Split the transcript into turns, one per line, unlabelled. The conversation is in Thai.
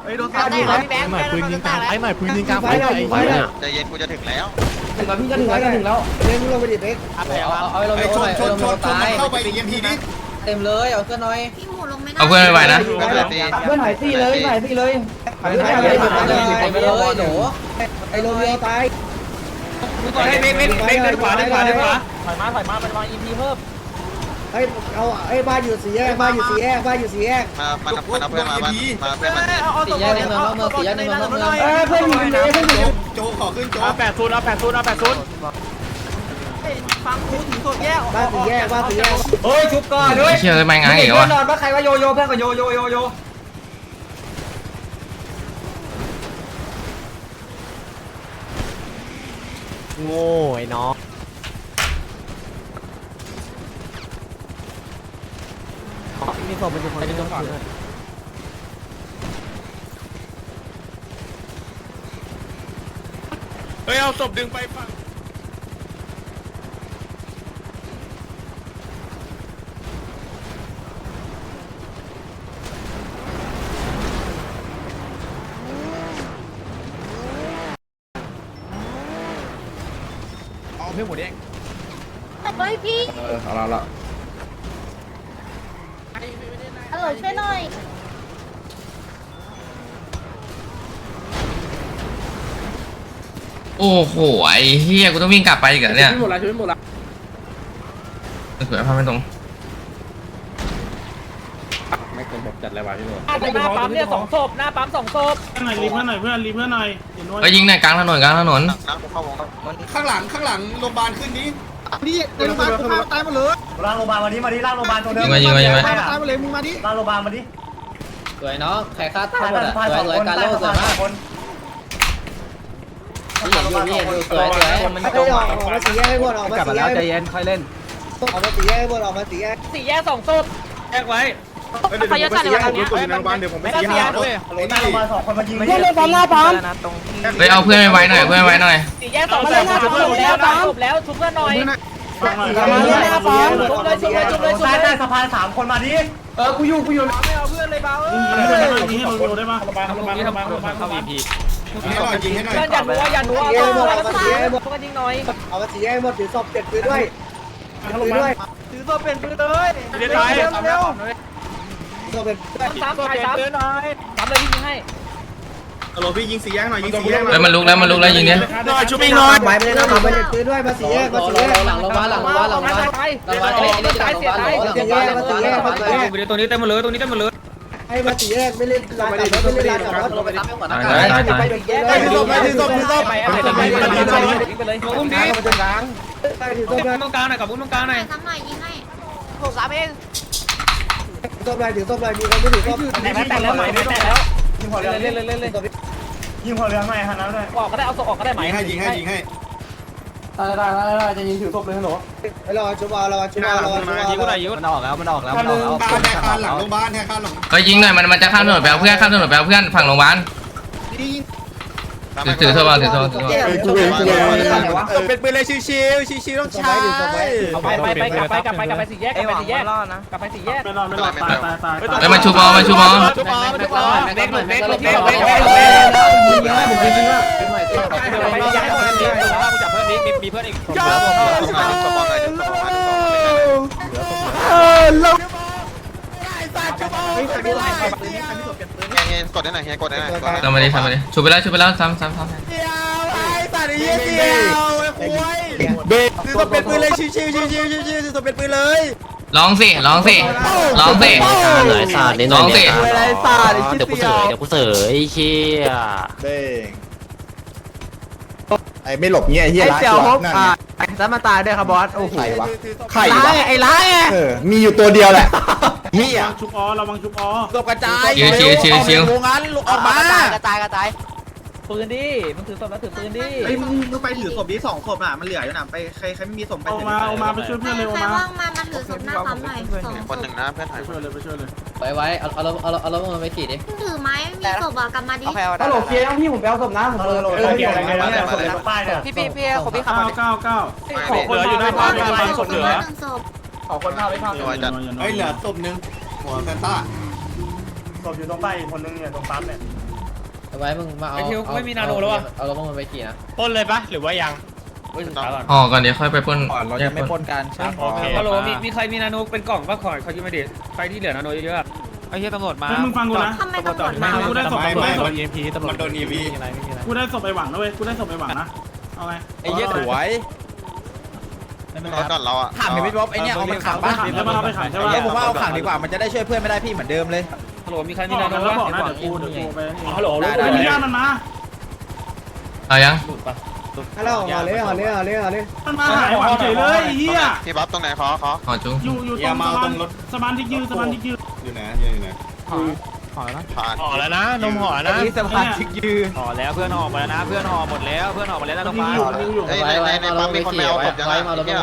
โดนตายพี่แบงค์ปืนยิงกลางไอ้ใหม่ปืนยิงกลางไฟใจเย็นกูจะถึงแล้ว
ถึงแล้วพี่จะถึงแล้วเล่นลงไปดิเบ๊กเอาลงชนเข้าไปอีกทีนี้เต็มเลยเอาเพื่อนหน่อย
พี่หมูลงไม่ได้
เอาเพื่อนไปนะ
เพื่อนหายตีเลยหายตีเลยหายไปเลยโหไอ้โรเบียตาย
เบกเดินขวาถอยมาไปวาง EP เพิ่ม
ไอ้เอาไอ้บ้านอยู่สี่แยกบ้านอยู่สี่แยก
มาเพื่อนมาเพื่อนมา
สี่แยกในเมืองเมืองสี่แยกในเมืองเมืองเพื่อนอยู่เลยเพื่อนอยู่โจขอขึ้นโจ
เอา80ฟังกูถึงโซนแยก
บ้านสี่แยก
เฮ้ยชุบก่อนด้วย
เชื่อไม่ง้างอีก
เพื่
วะ
อนนอนปะใครว่าโยเพื่อนกับโย
โง่ไอ้น้องมีศพเป็นคนที่ต้องก่อนเฮ้ยเอาศพดึงไปฝั่งเอาเพื่อนหมดเอง
เฮ้ยพี่
เอาละ
อร่อยช่วยหน่อย
โอ้โหไอ้เฮียกูต้องวิ่งกลับไปอีกเหรอเนี่ย
ช่วยหมดละ
สวยภาพไม่ตรง
ไม่เป็นแบบจัดอะไรวะพี่หนู
หน้าปั๊มเนี่ย2 ศพหน้าปั๊ม2 ศพ
รีบเพื่อนหน่อยเพื่อน
ก็ยิงในกลางถนน
ข้างหลัง
โรงพยาบาลขึ้นนี้
นี่ในโรงพยาบาลกูตายหมดเลย
ล่างโรงพยาบาลมาดิล่างโรงพยาบาลตัวเดิม
ยิงมา
ตายหมดเลยมึงมาดิ
ล่างโรงพยาบาลมาดิ
สวยเนาะใครฆ่าตายหมดอ่ะสวยการโล่สวยมากนี่อยู่สวยมันจงออกมาสี่แยกให้หมดออกมาสี่แยก
ใจเย็นค่อยเล่น
ออกมาสี่แยกให้หมดออกมาสี่แยก
4 แยก 2 ศพแยกไว้
พยาจัดในวันนี้ในโรงพยาบาลเดี๋ยวผมไปชี้ให้ด้วยหน้าโรงพยาบาล2 คนมายิง
เพื่อนเลยปั๊มหน้าปั๊ม
เฮ้ยเอาเพื่อนไว้หน่อยเพื่อนไว้หน่อย
4 แยก 2 ศพแล้วชุบเพื่อนหน่อย ชุบเลย
ใต้สะพาน3 คนมาดิ
กูอยู่
ไม่เอาเพื่อนเลยเบา
ยิงให้เราได้ปะ
เข้า EP
ยิงให้หน่อย
เพื่อนอย่านัวเพื่อนยิงหน่อย
เอามาสี่แยกหมดถือศพเก็บปืนด้วยด้วย
ถือตัวเป็นปืนเลยเร็ว
ศพเป็น
ซ้ำเลยพี่ยิงให้
ฮัลโหลพี่ยิง4 แยกหน่อยยิง4 แยก
เฮ้ยมันลุกแล้วยิงเนี้ย
หน่อยชุบอีกหน่อย
หมายไปเลยนะมาเก็บปืนด้วยมาสี่แยกมาสี่แยกหลังโรงพยาบาลหลังโรงพยาบาลมาสี่แยกมาสี่แยกมาสี่แยก
ตัวนี้เต็มหมดเลยตรงนี้เต็มหมดเลย
ให้มาสี่แยกไม่เล่นลานกับไม่เล่นลานกับรถลงไปรับไปแยกถือศพถือศพถือศพ
ไปเลย
อุ้มดิ
มาจนกลางถือศพเลย
ตรงกลางหน่อยกับอุ้มตรงกลางหน่อย
ทำหน่อยยิงให้
63 เอง
ถือศพเลยถือศพเลยมีคนไม่ถือศพ
แต่แล้วใหม่ไม่แต่แล้ว
ยิงหัวเรือ
เล่น
ยิงหัวเรือใหม่ฮะน้ำด้วย
ออกก็ได้เอาศพออกก็ได้ไหม
ได้จะยิงถือศพเลยฮัลโหลรอชุบรอชุบ
ยิงกูหน่อยยิงมันออกแล้ว
บ้านแทคานหลังโรงพยาบาลแทคานหลัง
ก็ยิงหน่อยมันจะข้ามถนนไปเอาเพื่อนฝั่งโรงพยาบาลถือโทรศัพท์
เป็นปืนเลยชิวต้องใช้
กลับไป4 แยกกลับไป4 แยก
ไม่รอดตาย
เฮ้ยมันชูบอล
เด็ก
จับเพิ่มนี้มีเพื่อนอีก
กดได้หน่อยทำมาดิชูไปแล้วซ้ำ
เบรกคือต้องเป็นปืนเลยชิวต้องเป็นปืนเลย
ร้องสิ
ไหนศาสตร์นี่หน่อยเนี่ยเดี๋ยวกูเสยเชี่ย
เบ้งไอ้ไม่หลบเงี้ยเฮียร้ายนั่นแล้วมาตายด้วยครับบอสโอ้โหไข่วะไอ้ร้ายมีอยู่ตัวเดียวแหละเฮีย
ชุบระวังชุบ
ศพกระจาย
ชิว
โรงงานออกมากระจายปืนดิมึงถือศพแล้วถือปืนดิ
ไอ้มึงไปถือศพนี้2 ศพอ่ะมันเหลืออยู่น่ะไปใครไม่มีศพไป
เอามาไปช่วยเพื่อนเลย
ใคร
มา
ว่างมาถือศพหน้าปั๊มหน่อย2
คนหนึ่งนะเพื่อน
ไปช่วยเลย
ไว้เอาแล้วมันไปขี่ดิ
ถือไม้มีศพอ่ะกลับมาดิ
ฮัลโหลเคลียร์ยังพี่ผมไปเอาศพนะผม
เกี่ยวอะไรกันเนี่ยคนเลยป้ายเนี่ย
พี่คนพี่ขับมา
9
เหลืออยู่หน้าปั๊มศพเหลือ
ศพ
ขอคนพาไปพา
เฮ้ยเหลือศพนึงหัวแซนต้าศพอยู่ตรงป้ายคนนึงเนี่ยตรงปั๊มเนี่ย
ไว้มึงมาเอา
ไอ้ทิวไม่มีนาโนแล้ววะ
เอารถมึงไปขี่นะ
ปล้นเลยปะหรือว่ายังเฮ้ยสุดท้ายก่อน
ห่อก่อนเดี๋ยวค่อยไปปล้น
เราจะไม่ปนกัน
โอเคฮัลโหลมีใครมีนาโนเป็นกล่องปะขอเขายืมมาดิใครที่เหลือนาโนเยอะๆไอ้เหี้ยตำรวจมา
มึงฟังกูนะ
ทำไมตำรวจมา
กูได้ศพ
ไม่
ตำรวจ
มัน EMP ตำรวจโดน EMP อะไรไม่มีอะไร
กูได้ศพไปหวังนะเว้ยกูได้ศพไปหวังนะเอาไง
ไอ้เหี้ยสวย
รถก่อนเราอ่ะ
ถามถึงพี่บ๊อบไอ้เนี่ยเอามันขังป่ะ
ขังได้ปะเราไปขังใช่ปะ
ไอ้ผมว่าเอาขังดีกว่ามันจะได้ช่วยเพื่อนไม่ได้พี่เหมือนเดิมเลย
ฮัลโหลมีใครมี
บ
นา
อก
โน
กันแล้ว
ปะ
บอกนะเดี๋ยวกูไป
ฮัลโหล
ได้
ไอ้ญาติมันมา
เอายัง
ฮัลโหลห่อเลยห่อเลยห่อเลยห่อเลย
มันมาหายหวังเฉยเลยไอ้เหี้ย
พี่บ๊อบตรงไหนขอ
ห่อจุ้ง
อยู่ตรงสะพานที่ยืน
อยู่ไหนผ่าน
ห่อแล้วนะนมห่อนะ
นี่สะพานชิกยืน
ห่อแล้วเพื่อนห่อมาแล้วนะเพื่อนห่อหมดแล้วเพื่อนห่อหมดแล้วนะน้องฟ้า
ในปั๊มมีคนไปเอาศพยังไงเนี่ย